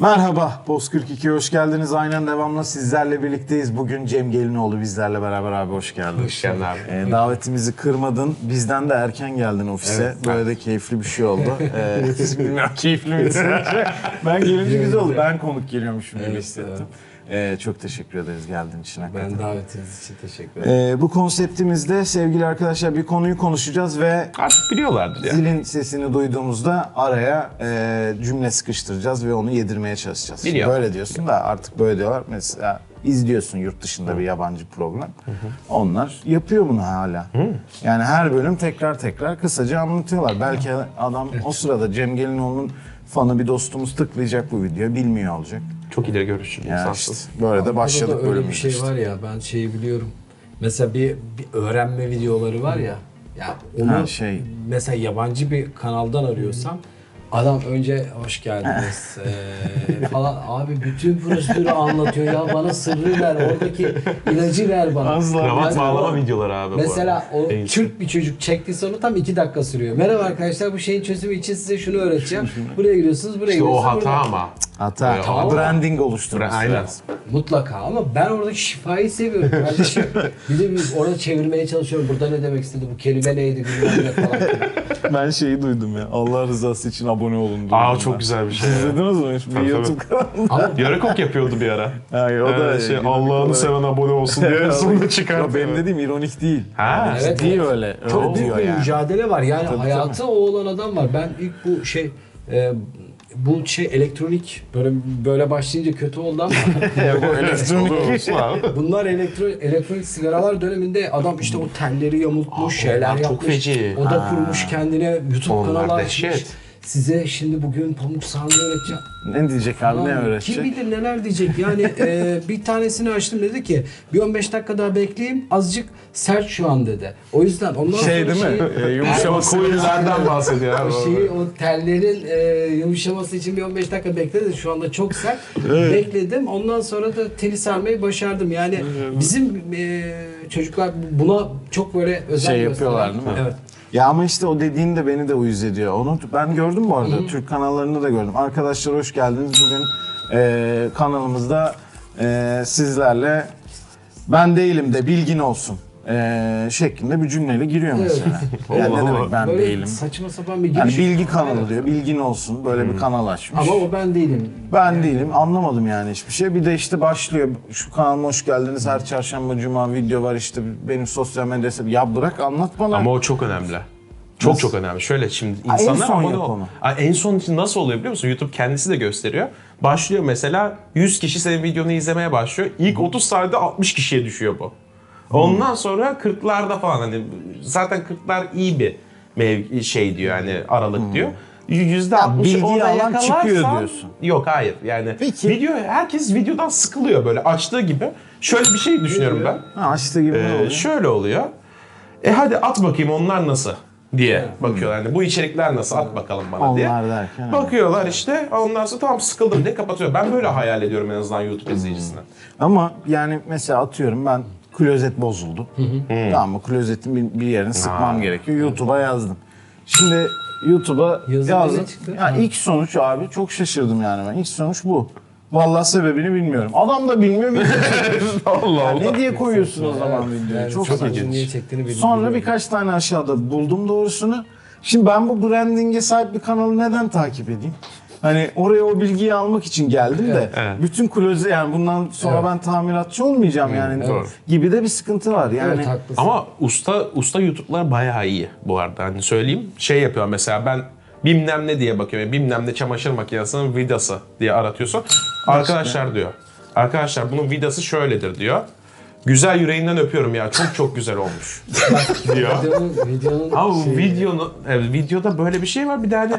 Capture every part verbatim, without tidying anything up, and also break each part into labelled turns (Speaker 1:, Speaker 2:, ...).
Speaker 1: Merhaba, Post kırk iki'ye hoş geldiniz. Aynen devamlı sizlerle birlikteyiz. Bugün Cem Gelinoğlu bizlerle beraber abi hoş geldin.
Speaker 2: Hoş geldin abi.
Speaker 1: Ee, davetimizi kırmadın. Bizden de erken geldin ofise.
Speaker 2: Evet.
Speaker 1: Böyle de keyifli bir şey oldu. Ee, bilmiyorum keyifli miydi? Ben gelince güzel oldu. Ben konuk geliyormuşum gibi
Speaker 2: Evet,
Speaker 1: hissettim. Ee, çok teşekkür ederiz geldiğin için. hakikaten.
Speaker 2: Ben davetiniz için teşekkür ederim.
Speaker 1: Ee, bu konseptimizde sevgili arkadaşlar bir konuyu konuşacağız ve
Speaker 3: Artık biliyorlardır ya.
Speaker 1: zilin sesini duyduğumuzda araya e, cümle sıkıştıracağız ve onu yedirmeye çalışacağız.
Speaker 3: Biliyor.
Speaker 1: Böyle diyorsun da artık böyle diyorlar. Mesela izliyorsun yurt dışında bir yabancı program. Onlar yapıyor bunu hala. Yani her bölüm tekrar tekrar kısaca anlatıyorlar. Belki adam o sırada Cem Gelinoğlu'nun fanı bir dostumuz tıklayacak bu videoyu, bilmiyor olacak.
Speaker 3: Çok ileri görüşlü bir
Speaker 1: Yani
Speaker 3: insansın.
Speaker 1: işte böyle de başladık
Speaker 2: Burada da öyle
Speaker 1: bölümümüze
Speaker 2: bir şey
Speaker 1: işte.
Speaker 2: var ya, ben şeyi biliyorum. Mesela bir, bir öğrenme videoları var ya. Ya onu
Speaker 1: Ha, şey.
Speaker 2: mesela yabancı bir kanaldan arıyorsam adam önce hoş geldiniz eee, falan, abi bütün prosedürü anlatıyor ya, bana sırrı ver, oradaki ilacı ver bana.
Speaker 1: Asla.
Speaker 3: Kravat
Speaker 2: Yani
Speaker 3: bağlama
Speaker 2: o-
Speaker 3: videoları abi
Speaker 2: Mesela
Speaker 3: bu arada.
Speaker 2: o
Speaker 3: En iyisi.
Speaker 2: Türk bir çocuk çektiyse onu tam iki dakika sürüyor. Merhaba arkadaşlar, bu şeyin çözümü için size şunu öğreteceğim. Buraya giriyorsunuz, buraya
Speaker 3: İşte o
Speaker 2: giriyorsunuz.
Speaker 3: hata
Speaker 2: buradan-
Speaker 3: ama.
Speaker 1: Hata,
Speaker 3: Tamam.
Speaker 1: branding oluşturması
Speaker 3: Aynen.
Speaker 1: lazım.
Speaker 2: Mutlaka, ama ben oradaki şifayı seviyorum kardeşim. Bir de biz orada çevirmeye çalışıyorum. Burada ne demek istedi, bu kelime neydi, bilmem ne falan.
Speaker 1: Ben şeyi duydum ya. Allah rızası için abone olun duydum.
Speaker 3: Aa
Speaker 1: ben.
Speaker 3: çok güzel bir şey.
Speaker 1: Siz
Speaker 3: ya.
Speaker 1: izlediniz mi? Bir
Speaker 3: Tabii,
Speaker 1: YouTube kanalında.
Speaker 2: Ama
Speaker 3: Yarıkok yapıyordu bir ara.
Speaker 1: Yani o da
Speaker 3: Ee, şey,
Speaker 1: ironik
Speaker 3: Allah'ını
Speaker 1: olarak-
Speaker 3: seven abone olsun diye en sonunda çıkartıyor.
Speaker 1: Ya benim dediğim ironik değil.
Speaker 3: Ha.
Speaker 2: Evet,
Speaker 1: Ciddi
Speaker 2: evet.
Speaker 1: öyle. öyle
Speaker 2: çok büyük
Speaker 1: diyor
Speaker 2: bir
Speaker 1: yani.
Speaker 2: mücadele var. Yani
Speaker 1: Tabii,
Speaker 2: hayatı o olan adam var. Ben ilk bu şey e, bu şey elektronik böyle böyle başlayınca kötü oldu ama
Speaker 1: Bu elektronik
Speaker 3: Olsun abi.
Speaker 2: bunlar elektro, elektronik sigaralar döneminde adam işte o telleri yamultmuş,
Speaker 3: Aa,
Speaker 2: şeyler
Speaker 3: onlar çok
Speaker 2: yapmış.
Speaker 3: feci.
Speaker 2: O da kurmuş kendine YouTube
Speaker 3: Onlar
Speaker 2: kanalı
Speaker 3: dehşet.
Speaker 2: açmış. Size şimdi bugün pamuk sarmayı öğreteceğim.
Speaker 1: Ne diyecek abi, ne
Speaker 2: Lan,
Speaker 1: öğretecek?
Speaker 2: Kim bilir neler diyecek. Yani e, bir tanesini açtım, dedi ki bir on beş dakika daha bekleyeyim, azıcık sert şu an dedi. O yüzden ondan
Speaker 1: Şey
Speaker 2: sonra
Speaker 1: değil mi?
Speaker 2: şeyi-
Speaker 1: Ee, yumuşaması.
Speaker 3: Coil'lerden bahsediyor abi.
Speaker 2: o şeyi, o tellerin e, yumuşaması için bir on beş dakika bekledi. Şu anda çok sert. Bekledim. Ondan sonra da teli sarmayı başardım. Yani bizim e, çocuklar buna çok böyle özen
Speaker 1: Şey
Speaker 2: gösteren-
Speaker 1: yapıyorlar değil mi?
Speaker 2: Evet.
Speaker 1: Ya ama işte o dediğin de beni de uyuz ediyor. Onu ben gördüm bu arada. Türk kanallarında da gördüm. Arkadaşlar hoş geldiniz. Bugün e, kanalımızda e, sizlerle ben değilim de bilgin olsun e, şeklinde bir cümleyle giriyor mesela. Yani ne
Speaker 3: Allah
Speaker 1: demek
Speaker 3: Allah.
Speaker 1: ben
Speaker 2: Böyle
Speaker 1: değilim?
Speaker 2: saçma sapan bir
Speaker 1: Yani
Speaker 2: giriş.
Speaker 1: bilgi kanalı diyor. Bilgin olsun. Böyle bir kanal açmış.
Speaker 2: Ama o ben değilim.
Speaker 1: Ben değilim. Anlamadım yani hiçbir şey. Bir de işte başlıyor. Şu kanalıma hoş geldiniz. Her çarşamba, cuma video var işte. Benim sosyal medya hesabı. Ya bırak anlat bana.
Speaker 3: Ama o çok önemli. Çok
Speaker 1: Nasıl?
Speaker 3: çok önemli. Şöyle şimdi
Speaker 1: Ha, en
Speaker 3: insanlar
Speaker 1: son
Speaker 3: abone
Speaker 1: yap
Speaker 3: ol-
Speaker 1: onu.
Speaker 3: Ha, en son için nasıl oluyor biliyor musun? YouTube kendisi de gösteriyor. Başlıyor mesela yüz kişi senin videonu izlemeye başlıyor. İlk otuz saniyede altmış kişiye düşüyor bu. Ondan sonra kırklarda falan, hani zaten kırklar iyi bir mev şey diyor, hani aralık diyor. yüzde altmış
Speaker 1: bilgiyi
Speaker 3: orada
Speaker 1: alan
Speaker 3: yakalarsan-
Speaker 1: çıkıyor diyorsun.
Speaker 3: Yok hayır yani
Speaker 1: Peki.
Speaker 3: video, herkes videodan sıkılıyor böyle açtığı gibi. Şöyle bir şey düşünüyorum ben.
Speaker 1: Ha, açtı gibi ne
Speaker 3: Ee,
Speaker 1: oluyor?
Speaker 3: şöyle oluyor. E hadi at bakayım onlar nasıl diye bakıyorlar. Yani bu içerikler nasıl, at bakalım bana diye.
Speaker 1: Onlar derken.
Speaker 3: Bakıyorlar işte, ondan sonra tamam sıkıldım diye kapatıyor. Ben böyle hayal ediyorum en azından YouTube izleyicisine.
Speaker 1: Ama yani mesela atıyorum ben klozet bozuldu. Tamam mı? Klozetin bir, bir yerini sıkmam gerekiyor. YouTube'a yazdım. Şimdi YouTube'a
Speaker 2: Yazınca
Speaker 1: yazdım.
Speaker 2: ne çıktı?
Speaker 1: Ya ilk sonuç abi çok şaşırdım yani ben. İlk sonuç bu. Vallahi sebebini bilmiyorum. Adam da bilmiyor. video çekiyor.
Speaker 3: Allah
Speaker 1: Ya ne diye koyuyorsun o zaman videoyu?
Speaker 2: Yani
Speaker 1: çok
Speaker 2: çok
Speaker 1: saçma.
Speaker 2: acı niye çektiğini bil-
Speaker 1: Sonra
Speaker 2: biliyorum.
Speaker 1: birkaç tane aşağıda buldum doğrusunu. Şimdi ben bu branding'e sahip bir kanalı neden takip edeyim? Hani oraya o bilgiyi almak için geldim de
Speaker 3: Evet.
Speaker 1: bütün kloze, yani bundan sonra
Speaker 2: Evet.
Speaker 1: ben tamiratçı olmayacağım yani
Speaker 3: doğru.
Speaker 1: gibi de bir sıkıntı var yani.
Speaker 2: Evet, haklısın.
Speaker 3: Ama usta usta YouTube'lar bayağı iyi bu arada. Hani söyleyeyim, şey yapıyor mesela, ben bilmem ne diye bakıyorum. Bilmem ne çamaşır makinesinin vidası diye aratıyorsun. Arkadaşlar diyor. Arkadaşlar bunun vidası şöyledir diyor. Güzel, yüreğinden öpüyorum ya. Çok çok güzel olmuş diyor.
Speaker 2: Videonun, videonun
Speaker 3: Ama
Speaker 2: şeyi-
Speaker 3: videonun, evet, videoda böyle bir şey var. Bir de hani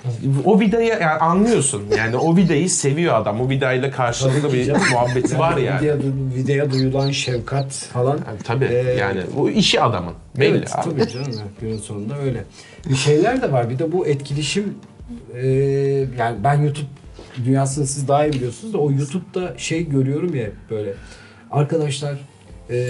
Speaker 3: o vidayı yani anlıyorsun. Yani o vidayı seviyor adam. O vidayla karşılıklı bir
Speaker 2: Canım.
Speaker 3: muhabbeti var yani.
Speaker 2: Videoya, videoya duyulan şefkat falan.
Speaker 3: Yani tabii
Speaker 2: Ee,
Speaker 3: yani bu işi adamın. Belli
Speaker 2: Evet,
Speaker 3: abi.
Speaker 2: tabii canım. evet, Günün sonunda öyle. Bir şeyler de var. Bir de bu etkileşim, e, yani ben YouTube dünyasını siz daha iyi biliyorsunuz da, o YouTube'da şey görüyorum ya, böyle arkadaşlar e,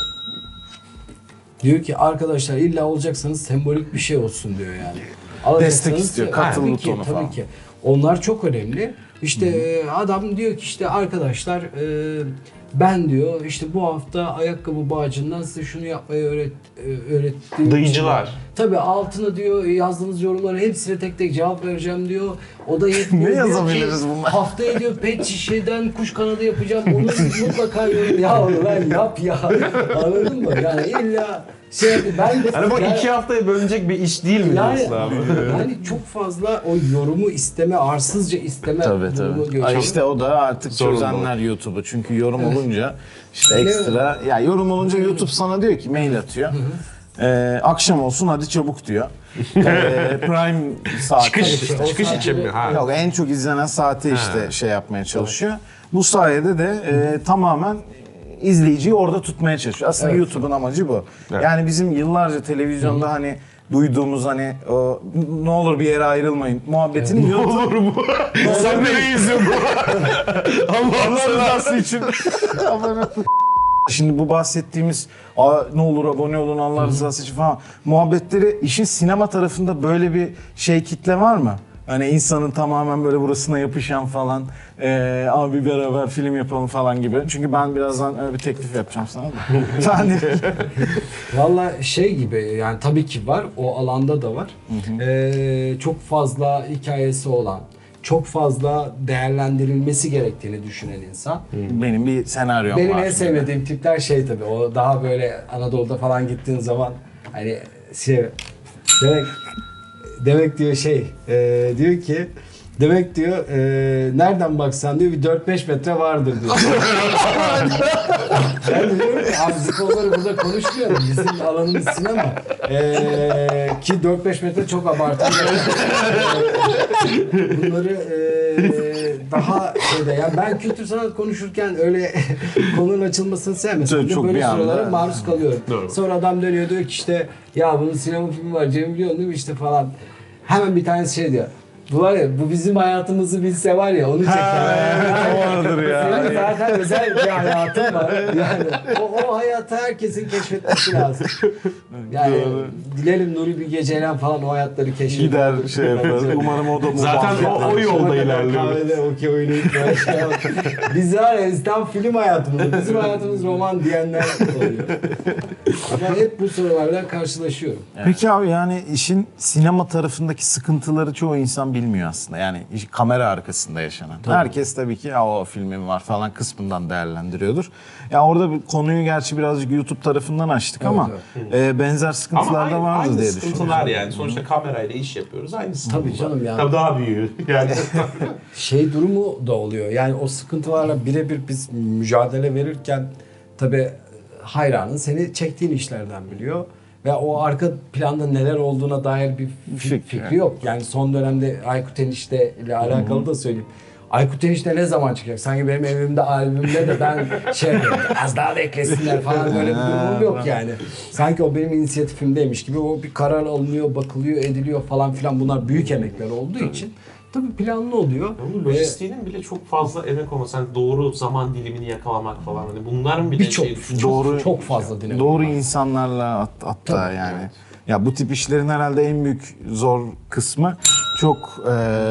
Speaker 2: diyor ki arkadaşlar illa olacaksanız sembolik bir şey olsun diyor yani. Alacaksanız-
Speaker 1: Destek istiyor, katıl
Speaker 2: Tabii
Speaker 1: butonu
Speaker 2: ki, tabii
Speaker 1: falan.
Speaker 2: ki. Onlar çok önemli. İşte e, adam diyor ki işte arkadaşlar e, ben diyor işte bu hafta ayakkabı bağcından size şunu yapmayı öğret e, öğrettiğim
Speaker 3: Dayıcılar.
Speaker 2: için- Tabii altına diyor yazdığınız yorumlara hepsine tek tek cevap vereceğim diyor. O da yetmiyor.
Speaker 1: Ne
Speaker 2: Diyor ki,
Speaker 1: yazabiliriz bunlar?
Speaker 2: haftaya diyor pet şişeden kuş kanadı yapacağım. Onu mutlaka yorum. Ya lan yap ya. Anladın mı? Yani illa şey ben de
Speaker 3: Yani bu
Speaker 2: yani-
Speaker 3: iki haftaya bölünecek bir iş değil mi
Speaker 2: yani,
Speaker 3: diyorsun abi?
Speaker 2: yani çok fazla o yorumu isteme, arsızca isteme
Speaker 1: Tabii
Speaker 2: durumu
Speaker 1: tabii.
Speaker 2: görüyorum.
Speaker 1: Ay işte o da artık
Speaker 3: Sorun
Speaker 1: çözenler YouTube'u. Çünkü yorum olunca işte ekstra ya yorum olunca YouTube sana diyor ki mail atıyor. Ee, akşam olsun hadi çabuk diyor. Ee, Prime saati.
Speaker 3: Çıkış,
Speaker 2: işte, o
Speaker 3: çıkış
Speaker 2: saati-
Speaker 3: için mi? Ha.
Speaker 1: Yok en çok izlenen saati işte şey yapmaya çalışıyor. Bu sayede de e, tamamen izleyiciyi orada tutmaya çalışıyor. Aslında
Speaker 2: Evet.
Speaker 1: YouTube'un amacı bu.
Speaker 3: Evet.
Speaker 1: Yani bizim yıllarca televizyonda hani duyduğumuz hani o ne olur bir yere ayrılmayın muhabbetini YouTube
Speaker 3: Olur mu? Sen nereye izliyorsun?
Speaker 1: Allah rızası için. Şimdi bu bahsettiğimiz "Aa, ne olur abone olun Allah rızası için" falan muhabbetleri işin sinema tarafında böyle bir şey kitle var mı? Hani insanın tamamen böyle burasına yapışan falan eee abi beraber film yapalım falan gibi. Çünkü ben birazdan öyle bir teklif yapacağım sana da. Yani
Speaker 2: Valla şey gibi yani tabii ki var. O alanda da var. Ee, çok fazla hikayesi olan, çok fazla değerlendirilmesi gerektiğini düşünen insan.
Speaker 1: benim bir senaryom
Speaker 2: Benim
Speaker 1: var.
Speaker 2: en sevmediğim tipler şey tabii. O daha böyle Anadolu'da falan gittiğin zaman hani şey demek demek diyor şey e, diyor ki demek diyor e, nereden baksan diyor bir dört beş metre vardır diyor. Ben de diyorum ki abi biz konuları burada konuşmuyoruz. Bizim alanımız sinema. E, ki dört beş metre çok abartılı. Bunları e, daha şeyde yani ben kültür sanat konuşurken öyle konunun açılmasını sevmesem
Speaker 1: Çok-
Speaker 2: de
Speaker 1: çok
Speaker 2: böyle
Speaker 1: bir anda,
Speaker 2: sorulara
Speaker 1: evet.
Speaker 2: maruz kalıyorum.
Speaker 3: Doğru.
Speaker 2: Sonra adam dönüyor diyor ki işte ya bunun sinema filmi var Cem biliyorsun değil mi işte falan. Hemen bir tanesi şey diyor. Bu var ya bu bizim hayatımızı bilse var ya onu çek.
Speaker 1: o vardır ya.
Speaker 2: Senin zaten özel bir hayatın var. Yani o, o hayatı herkesin keşfetmesi lazım. Yani
Speaker 1: Doğru.
Speaker 2: dilerim Nuri Bilge Ceylan falan o hayatları keşfeder.
Speaker 1: Gider şey yapar. Umarım o da bu
Speaker 3: Zaten
Speaker 1: muhabbetler-
Speaker 3: o- o yolda ilerliyor.
Speaker 2: Kahvede okey oynayıp böyle şey yapar. Biz var ya biz tam film hayatımız. Bizim hayatımız roman diyenler oluyor. Ben hep bu sorularla karşılaşıyorum.
Speaker 1: Peki abi yani işin sinema tarafındaki sıkıntıları çoğu insan bilmiyor aslında. Yani iş- kamera arkasında yaşanan. Herkes tabii ki ya o filmim var falan kısmından değerlendiriyordur. Ya orada bir konuyu gerçi birazcık YouTube tarafından açtık ama e, benzer sıkıntılar da
Speaker 3: aynı-
Speaker 1: vardır
Speaker 3: aynı
Speaker 1: diye
Speaker 3: sıkıntılar
Speaker 1: düşünüyorum.
Speaker 3: yani. Sonuçta kamerayla iş yapıyoruz. Aynısı.
Speaker 2: Tabii canım yani.
Speaker 3: Tabii daha büyüğü. Yani
Speaker 2: Şey durumu da oluyor. Yani o sıkıntılarla birebir biz mücadele verirken tabii hayranın seni çektiğin işlerden biliyor. Ve o arka planda neler olduğuna dair bir fi-
Speaker 1: Fikri.
Speaker 2: fikri yok. Yani son dönemde Aykut Enişte ile alakalı da söyleyeyim. Aykut Enişte ne zaman çıkacak? Sanki benim evimde albümde de ben şey yapıyorum. Az daha beklesinler falan böyle bir durumum yok yani. Sanki o benim inisiyatifimdeymiş gibi o bir karar alınıyor, bakılıyor, ediliyor falan filan. Bunlar büyük emekler olduğu için tabii planlı oluyor.
Speaker 3: bunun
Speaker 2: Ve
Speaker 3: lojistiğinin bile çok fazla emek olması. Hani doğru zaman dilimini yakalamak falan. Hani bunların bile
Speaker 2: birçok
Speaker 3: şey...
Speaker 2: çok,
Speaker 1: Doğru-
Speaker 2: çok fazla dinamik
Speaker 1: Doğru
Speaker 2: var.
Speaker 1: insanlarla hat- hatta
Speaker 2: Tabii,
Speaker 1: yani.
Speaker 3: evet.
Speaker 1: Ya bu tip işlerin herhalde en büyük zor kısmı çok e,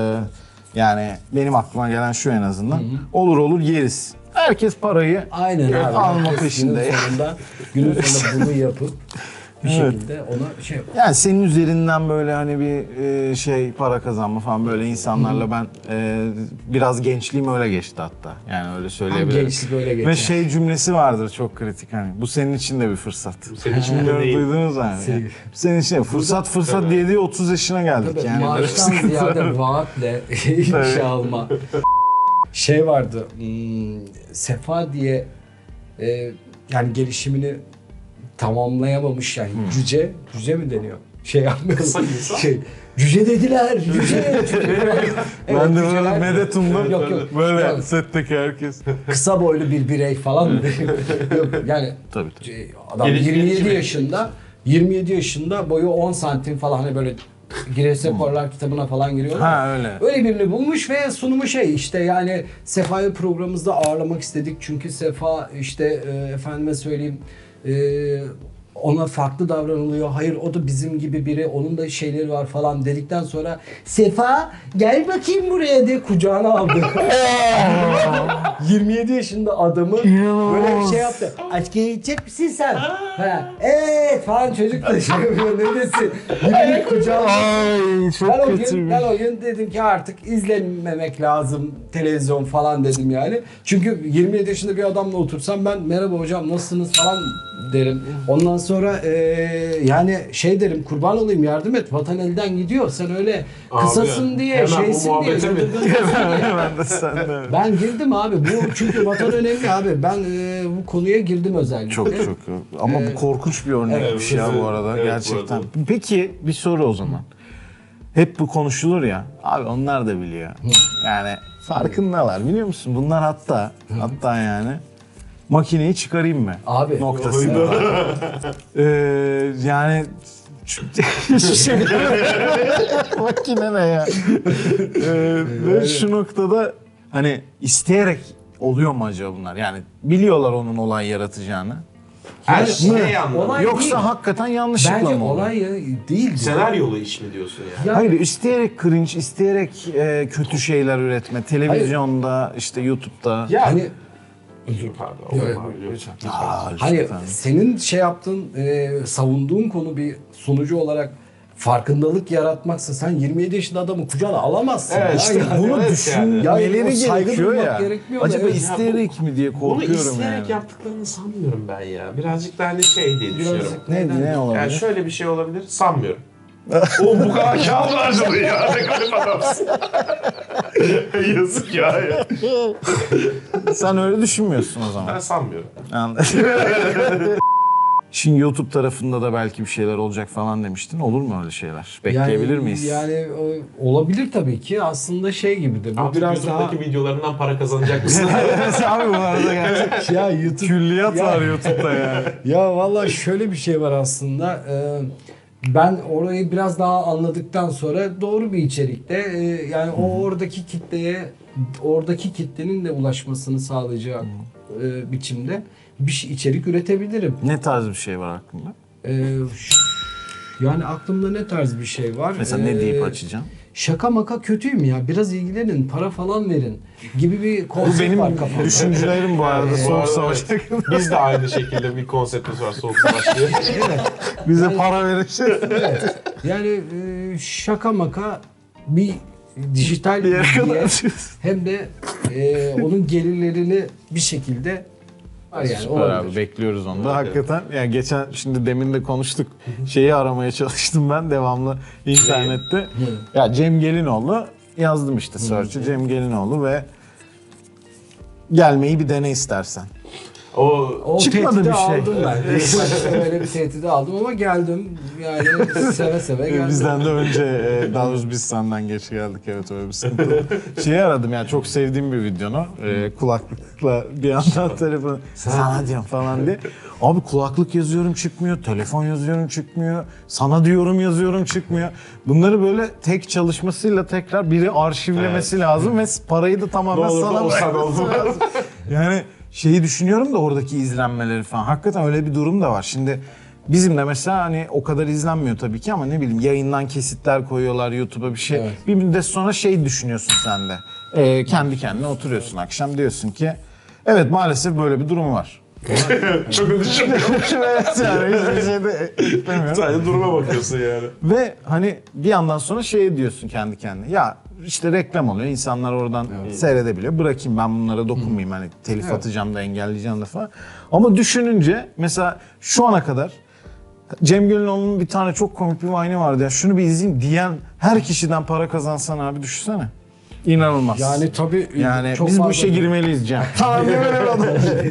Speaker 1: yani benim aklıma gelen şu en azından. Olur olur yeriz. Herkes parayı
Speaker 2: Aynen abi.
Speaker 1: alma
Speaker 2: Herkes
Speaker 1: peşinde.
Speaker 2: Günün sonunda, günün sonunda bunu yapıp bir
Speaker 1: Evet.
Speaker 2: şekilde ona şey yap.
Speaker 1: Yani senin üzerinden böyle hani bir e, şey para kazanma falan böyle insanlarla ben e, biraz gençliğim öyle geçti hatta. Yani öyle söyleyebilirim.
Speaker 2: gençlik öyle geçer.
Speaker 1: Ve şey cümlesi vardır çok kritik hani bu senin için de bir fırsat.
Speaker 3: Senin için de
Speaker 1: Bilmiyorum,
Speaker 3: değil.
Speaker 1: duydunuz mu?
Speaker 2: Senin-
Speaker 1: Yani. Senin için de fırsat fırsat
Speaker 3: Tabii.
Speaker 1: diye diye otuz yaşına geldik
Speaker 2: Tabii,
Speaker 1: yani.
Speaker 2: maaştan ziyade vaatle işe alma. Şey vardı, hmm, Sefa diye e, yani gelişimini tamamlayamamış yani cüce, cüce mi deniyor? Şey yapmıyor.
Speaker 3: Kısa insan.
Speaker 2: Şey, cüce dediler, cüce. cüce.
Speaker 1: Ben de böyle
Speaker 2: cüceler-
Speaker 1: medetumda
Speaker 2: Yok yok.
Speaker 1: böyle
Speaker 2: Yani
Speaker 1: setteki herkes.
Speaker 2: kısa boylu bir birey falan mı? Yok yani
Speaker 1: Tabii tabii.
Speaker 2: şey, adam
Speaker 3: Geliş-
Speaker 2: yirmi yedi
Speaker 3: gelişimi.
Speaker 2: yaşında yirmi yedi yaşında boyu on santim falan hani böyle Guinness Rekorlar kitabına falan giriyorlar.
Speaker 1: Ha öyle.
Speaker 2: Öyle birini bulmuş ve sunumu şey işte yani Sefa'yı programımızda ağırlamak istedik çünkü Sefa işte e, efendime söyleyeyim e, ona farklı davranılıyor. Hayır o da bizim gibi biri. Onun da şeyleri var falan dedikten sonra Sefa gel bakayım buraya diye kucağına aldı. yirmi yedi yaşında adamı böyle bir şey yaptı. Askere gidecek misin sen? Ha, evet falan çocuk da şey yapıyor. Ne desin? Yirmi kucağına.
Speaker 1: Ay çok
Speaker 2: Ben o, gün,
Speaker 1: kötü.
Speaker 2: ben o gün dedim ki artık izlememek lazım televizyon falan dedim yani. Çünkü yirmi yedi yaşında bir adamla otursam ben merhaba hocam nasılsınız falan derim. Ondan sonra e, yani şey derim kurban olayım yardım et vatan elden gidiyor. Sen öyle kısasın
Speaker 3: Abi,
Speaker 2: diye
Speaker 3: hemen bu
Speaker 2: şeysin diye.
Speaker 3: muhabbete mi?
Speaker 1: Ben de sen de.
Speaker 2: Ben girdim abi. Bu çünkü vatan önemli abi. Ben e, bu konuya girdim özellikle.
Speaker 1: Çok çok. Ama bu korkunç bir örnekmiş
Speaker 3: Evet,
Speaker 1: ya bu arada
Speaker 3: evet, bu
Speaker 1: gerçekten.
Speaker 3: arada.
Speaker 1: Peki bir soru o zaman. Hep bu konuşulur ya. Abi onlar da biliyor. Yani farkındalar biliyor musun? Bunlar hatta hatta yani makineyi çıkarayım mı?
Speaker 2: Abi.
Speaker 1: Noktasında. ee, yani şey, makine ne ya? Ee, ve şu noktada hani isteyerek oluyor mu acaba bunlar? Yani biliyorlar onun olay yaratacağını.
Speaker 3: Her
Speaker 2: Yani
Speaker 3: şey anlamı.
Speaker 2: olay
Speaker 1: Yoksa
Speaker 2: değil.
Speaker 1: hakikaten yanlışlıkla
Speaker 2: Bence
Speaker 1: mı oluyor?
Speaker 2: olay ya değil. bu.
Speaker 3: Senaryolu iş mi diyorsun yani?
Speaker 2: Ya-
Speaker 1: Hayır, isteyerek cringe, isteyerek e, kötü şeyler üretme. Televizyonda, işte YouTube'da.
Speaker 2: Ya hani
Speaker 3: Özür pardon.
Speaker 2: Evet,
Speaker 3: Abi, lütfen.
Speaker 1: Aa,
Speaker 2: Hani
Speaker 1: lütfen.
Speaker 2: senin şey yaptığın, e, savunduğun konu bir sunucu olarak farkındalık yaratmaksa sen yirmi yedi yaşında adamı kucağına alamazsın.
Speaker 3: Evet,
Speaker 2: ya.
Speaker 3: işte
Speaker 2: Yani
Speaker 1: Bunu
Speaker 3: Evet
Speaker 1: düşünmeleri
Speaker 2: yani o saygı
Speaker 1: gerekiyor
Speaker 2: duymak
Speaker 1: ya.
Speaker 2: gerekmiyor mu?
Speaker 1: Acaba
Speaker 2: Evet.
Speaker 1: isteyerek mi diye
Speaker 3: Bunu
Speaker 1: korkuyorum
Speaker 3: isteyerek
Speaker 1: yani.
Speaker 3: yaptıklarını sanmıyorum ben ya. Birazcık da hani şey diye düşünüyorum.
Speaker 2: Birazcık
Speaker 1: Ne,
Speaker 2: neden?
Speaker 1: ne olabilir?
Speaker 3: Yani şöyle bir şey olabilir sanmıyorum. O bu kadar kağıt harcadı ya. Ne garip adamsın. Yazık ya.
Speaker 1: Sen öyle düşünmüyorsun o zaman.
Speaker 3: Ben sanmıyorum.
Speaker 1: Anladım. Şimdi YouTube tarafında da belki bir şeyler olacak falan demiştin. Olur mu öyle şeyler? Bekleyebilir
Speaker 2: yani,
Speaker 1: miyiz?
Speaker 2: Yani o- olabilir tabii ki. Aslında şey gibi de. Bu
Speaker 3: Artık
Speaker 2: biraz daha
Speaker 3: YouTube'daki videolarından para kazanacak mısın?
Speaker 1: Evet abi bu arada gerçekten.
Speaker 2: ya YouTube
Speaker 1: Külliyat
Speaker 2: Ya-
Speaker 1: var YouTube'da yani.
Speaker 2: Ya vallahi şöyle bir şey var aslında. Ee, ben orayı biraz daha anladıktan sonra doğru bir içerikte e, yani o oradaki kitleye oradaki kitlenin de ulaşmasını sağlayacak e, biçimde bir şey, içerik üretebilirim.
Speaker 1: Ne tarz bir şey var aklında?
Speaker 2: Ee, ş- yani aklımda ne tarz bir şey var?
Speaker 1: Mesela ne deyip
Speaker 2: Ee,
Speaker 1: açacağım?
Speaker 2: Şaka maka kötüyüm ya. Biraz ilgilenin, para falan verin gibi bir
Speaker 1: Bu
Speaker 2: konsept
Speaker 1: benim
Speaker 2: var kafamda.
Speaker 1: düşüncelerim bu arada
Speaker 3: Bu
Speaker 1: soğuk
Speaker 3: arada
Speaker 1: savaş.
Speaker 3: evet. Biz de aynı şekilde bir konseptimiz var Soğuk Savaş diye.
Speaker 1: Bize para verecek.
Speaker 2: Evet. Yani e, şaka maka bir dijital
Speaker 1: Bir yere
Speaker 2: bilgiye
Speaker 1: kadar.
Speaker 2: hem de e, onun gelirlerini bir şekilde var yani
Speaker 1: Süper
Speaker 2: olabilir.
Speaker 1: abi bekliyoruz onu da.
Speaker 3: Evet,
Speaker 1: Hakikaten yani geçen şimdi demin de konuştuk. Şeyi aramaya çalıştım ben devamlı internette. Ya Cem Gelinoğlu yazdım işte search'e Cem Gelinoğlu ve gelmeyi bir dene istersen.
Speaker 3: O
Speaker 2: O
Speaker 1: Çıkmadı
Speaker 2: tehdidi
Speaker 1: bir şey.
Speaker 2: aldım ben. İlk başta öyle bir tehdidi aldım ama geldim. Yani seve seve geldim.
Speaker 1: Bizden de önce e, daha doğrusu biz senden geç geldik, evet öyle bir sıkıntı oldu. Şeyi aradım yani çok sevdiğim bir videonu. E, kulaklıkla bir yandan telefonu sana diyorum falan diye. Abi kulaklık yazıyorum çıkmıyor, telefon yazıyorum çıkmıyor, sana diyorum yazıyorum çıkmıyor. Bunları böyle tek çalışmasıyla tekrar biri arşivlemesi lazım ve parayı da tamamen
Speaker 3: Ne olur da
Speaker 1: sana
Speaker 3: o sana
Speaker 1: bırakması
Speaker 3: olmaz.
Speaker 1: lazım. Yani şeyi düşünüyorum da oradaki izlenmeleri falan. Hakikaten öyle bir durum da var. Şimdi bizim de mesela hani o kadar izlenmiyor tabii ki ama ne bileyim yayından kesitler koyuyorlar YouTube'a bir şey.
Speaker 2: Evet.
Speaker 1: Bir müddet sonra şey düşünüyorsun sen de. Ee, kendi kendine oturuyorsun akşam diyorsun ki evet maalesef böyle bir durum var.
Speaker 3: çok düşünmüyorum.
Speaker 1: Evet yani hiçbir şey de eklemiyorum.
Speaker 3: Sadece duruma bakıyorsun yani.
Speaker 1: Ve hani bir yandan sonra şey diyorsun kendi kendine. Ya işte reklam oluyor. İnsanlar oradan seyredebiliyor. Bırakayım ben bunlara dokunmayayım. Hani telif
Speaker 2: Evet.
Speaker 1: atacağım da engelleyeceğim de falan. Ama düşününce mesela şu ana kadar Cem Gelinoğlu'nun bir tane çok komik bir vine'i vardı ya. Şunu bir izleyeyim diyen her kişiden para kazansan abi düşünsene. İnanılmaz.
Speaker 2: Yani tabii
Speaker 1: Yani
Speaker 2: çok
Speaker 1: biz bu
Speaker 2: fazla-
Speaker 1: işe girmeliyiz Cem. Tamam böyle bir adam.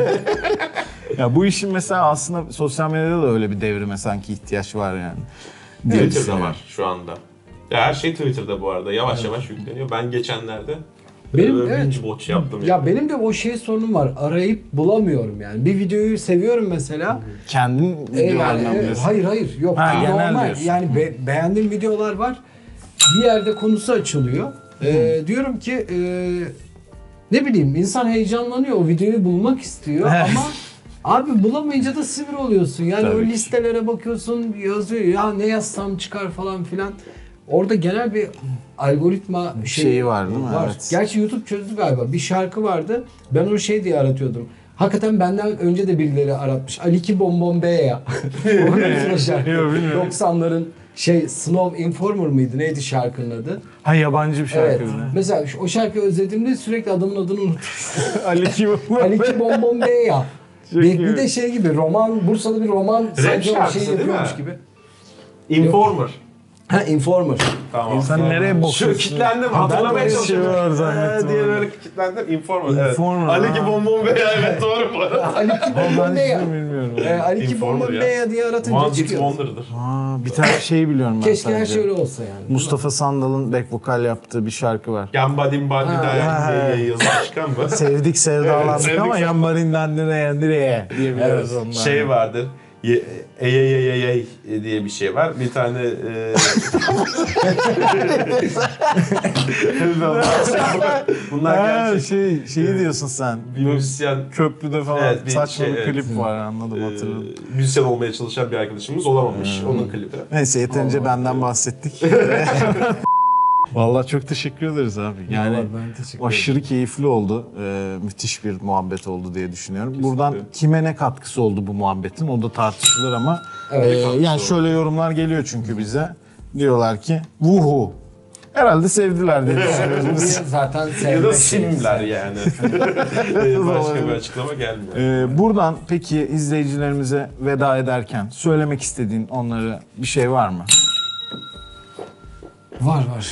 Speaker 1: Ya bu işin mesela aslında sosyal medyada da öyle bir devrime sanki ihtiyaç var yani. diye
Speaker 3: Twitter'da
Speaker 1: düşünüyorum.
Speaker 3: var şu anda. Ya her şey Twitter'da bu arada. Yavaş yavaş yükleniyor. Ben geçenlerde
Speaker 2: Benim-
Speaker 3: benim,
Speaker 2: evet.
Speaker 3: binge watch yaptım.
Speaker 2: Ya
Speaker 3: yani.
Speaker 2: benim de o şey sorunum var. Arayıp bulamıyorum yani. Bir videoyu seviyorum mesela.
Speaker 1: Kendin
Speaker 2: E, yani,
Speaker 1: videolarından
Speaker 2: e,
Speaker 1: biliyorsun.
Speaker 2: hayır hayır yok.
Speaker 1: Ha, genel
Speaker 2: Normal.
Speaker 1: diyorsun.
Speaker 2: Yani be- beğendiğim videolar var. Bir yerde konusu açılıyor. E, diyorum ki e, ne bileyim insan heyecanlanıyor. O videoyu bulmak istiyor
Speaker 1: Evet.
Speaker 2: ama Abi bulamayınca da sinir oluyorsun. Yani
Speaker 1: Tabii
Speaker 2: o
Speaker 1: ki.
Speaker 2: listelere bakıyorsun, yazıyor ya ne yazsam çıkar falan filan. Orada genel bir algoritma şeyi,
Speaker 1: Şeyi var değil mi?
Speaker 2: Var.
Speaker 1: Evet.
Speaker 2: Gerçi YouTube çözdü galiba. Bir şarkı vardı. Ben onu şey diye aratıyordum. Hakikaten benden önce de birileri aratmış. Aliki Bonbon Beya. O ne şarkı?
Speaker 1: Yok, bilmiyorum.
Speaker 2: doksanların şey Snow Informer mıydı? Neydi şarkının adı?
Speaker 1: Ha, yabancı bir şarkı.
Speaker 2: Evet.
Speaker 1: bir de.
Speaker 2: Mesela şu- o şarkıyı özlediğimde sürekli adamın adını unutuyorum.
Speaker 1: Ali kim?
Speaker 2: Aliki Bonbon Beya.
Speaker 1: Çok
Speaker 2: Bir,
Speaker 1: iyi.
Speaker 2: bir de şey gibi roman, Bursa'da bir roman sanki o
Speaker 3: şarkısı
Speaker 2: şey
Speaker 3: değil
Speaker 2: yapıyormuş
Speaker 3: mi?
Speaker 2: gibi.
Speaker 3: Informer.
Speaker 2: Ha Informer.
Speaker 3: Tamam.
Speaker 1: Sen nereye
Speaker 3: Şu
Speaker 1: bakıyorsun?
Speaker 3: kitlendim,
Speaker 1: Ha, ben de
Speaker 3: hatırlamaya
Speaker 1: öyle bir şey
Speaker 3: çalışıyorum.
Speaker 1: var zannettim
Speaker 3: Ee, diye
Speaker 1: abi.
Speaker 3: böyle kitlendim. Informer.
Speaker 1: Informer,
Speaker 3: Evet. Ali
Speaker 1: ha.
Speaker 3: ki bonbon veya evet doğru bu arada.
Speaker 2: Aliki
Speaker 1: Ben
Speaker 2: Bonbon
Speaker 1: hiç
Speaker 2: Beya.
Speaker 1: bilmiyorum.
Speaker 2: Ee, Aliki
Speaker 3: Informer
Speaker 2: Bonbon
Speaker 3: ya.
Speaker 2: Beya diye aratınca
Speaker 3: One Hit
Speaker 2: çıkıyor.
Speaker 3: Wonder'dır.
Speaker 1: Aa, bir tane şey biliyorum ben
Speaker 2: Keşke her
Speaker 1: sadece.
Speaker 2: şey öyle olsa yani.
Speaker 1: Mustafa Sandal'ın back vokal yaptığı bir şarkı var.
Speaker 3: Gambadim bandi
Speaker 2: Ha.
Speaker 3: dayak diye yazıp çıkan mı?
Speaker 1: Sevdik sevdalandık
Speaker 3: Evet,
Speaker 1: ama
Speaker 3: sevdik.
Speaker 1: yanlarından nereye nereye diye biliyoruz ondan.
Speaker 3: Şey vardır. Ye, ey ey ey ey ey diye bir şey var. Bir tane e... Bunlar
Speaker 1: Ha,
Speaker 3: gerçek.
Speaker 1: şey, şeyi diyorsun sen.
Speaker 3: Bir müzisyen
Speaker 1: Köprüde falan
Speaker 3: Evet, bir
Speaker 1: saçma
Speaker 3: şey,
Speaker 1: bir
Speaker 3: evet.
Speaker 1: klip var, anladım, hatırladım.
Speaker 3: e, müzisyen olmaya çalışan bir arkadaşımız olamamış. Onun klibi.
Speaker 1: Neyse, yeterince benden bahsettik. Vallahi çok teşekkür ederiz abi. Yani
Speaker 2: Vallahi ben teşekkür ederim.
Speaker 1: aşırı keyifli oldu. Ee, müthiş bir muhabbet oldu diye düşünüyorum. Buradan kime ne katkısı oldu bu muhabbetin, o da tartışılır ama
Speaker 2: Evet.
Speaker 1: e, yani şöyle yorumlar geliyor çünkü bize. Diyorlar ki vuhu. Herhalde sevdiler diye düşünüyoruz.
Speaker 2: Biz zaten
Speaker 3: Ya da
Speaker 2: sevmek
Speaker 3: simler yani. E, Başka bir açıklama gelmiyor.
Speaker 1: Ee, buradan peki izleyicilerimize veda ederken söylemek istediğin onlara bir şey var mı?
Speaker 2: Var var.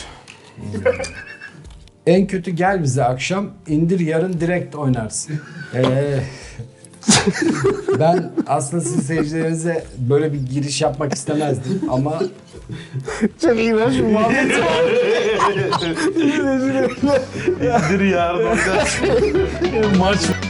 Speaker 2: En kötü gel bize akşam, indir yarın direkt oynarsın. Ee, ben aslında sizin seyircilerinize böyle bir giriş yapmak istemezdim ama
Speaker 1: Çok iğrenç bir muhabbet.
Speaker 3: İndir yardım.
Speaker 1: Maç